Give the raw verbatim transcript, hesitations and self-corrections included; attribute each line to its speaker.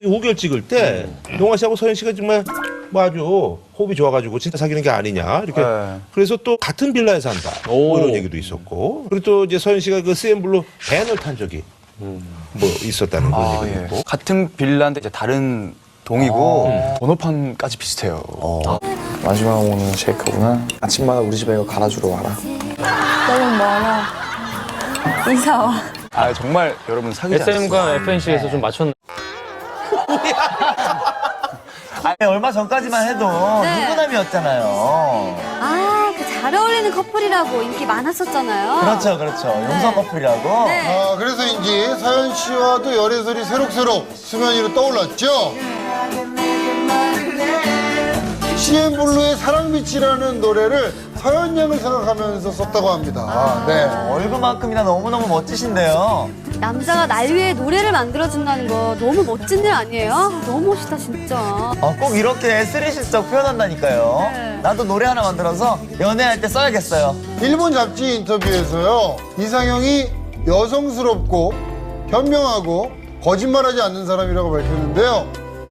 Speaker 1: 오 개월 찍을 때 용화 씨하고 서현 씨가 정말 뭐 아주 호흡이 좋아가지고 진짜 사귀는 게 아니냐 이렇게
Speaker 2: 네.
Speaker 1: 그래서 또 같은 빌라에 산다 뭐 이런 얘기도 있었고 그리고 또 이제 서현 씨가 그 씨엠블루 밴을 탄 적이 뭐 있었다는 그런
Speaker 2: 아,
Speaker 1: 얘기도
Speaker 2: 예.
Speaker 1: 있고
Speaker 2: 같은 빌라인데 이제 다른 동이고 번호판까지 비슷해요.
Speaker 3: 마지막 오는 쉐이크구나. 아침마다 우리 집에 이거 갈아주러 와라.
Speaker 4: 너무 멀어. 이사 와.
Speaker 2: 아 정말 여러분 사귀지 않았어요.
Speaker 5: 에스엠과 에프엔씨에서 좀 맞췄나?
Speaker 6: 아니, 얼마 전까지만 해도
Speaker 4: 네.
Speaker 6: 누구남이었잖아요.
Speaker 4: 아, 그 잘 어울리는 커플이라고 인기 많았었잖아요.
Speaker 6: 그렇죠, 그렇죠. 용서 커플이라고.
Speaker 4: 네.
Speaker 7: 아, 그래서인지 서현 씨와도 열애설이 새록새록 수면 위로 떠올랐죠. 씨엠블루의 사랑빛이라는 노래를 서현 양을 생각하면서 썼다고 합니다. 네.
Speaker 6: 얼굴만큼이나 너무너무 멋지신데요.
Speaker 4: 남자가 날 위해 노래를 만들어준다는 거 너무 멋진 일 아니에요? 너무 멋있다, 진짜.
Speaker 6: 어, 꼭 이렇게 쓰리시적 표현한다니까요.
Speaker 4: 네.
Speaker 6: 나도 노래 하나 만들어서 연애할 때 써야겠어요.
Speaker 7: 일본 잡지 인터뷰에서요. 이상형이 여성스럽고 현명하고 거짓말하지 않는 사람이라고 밝혔는데요.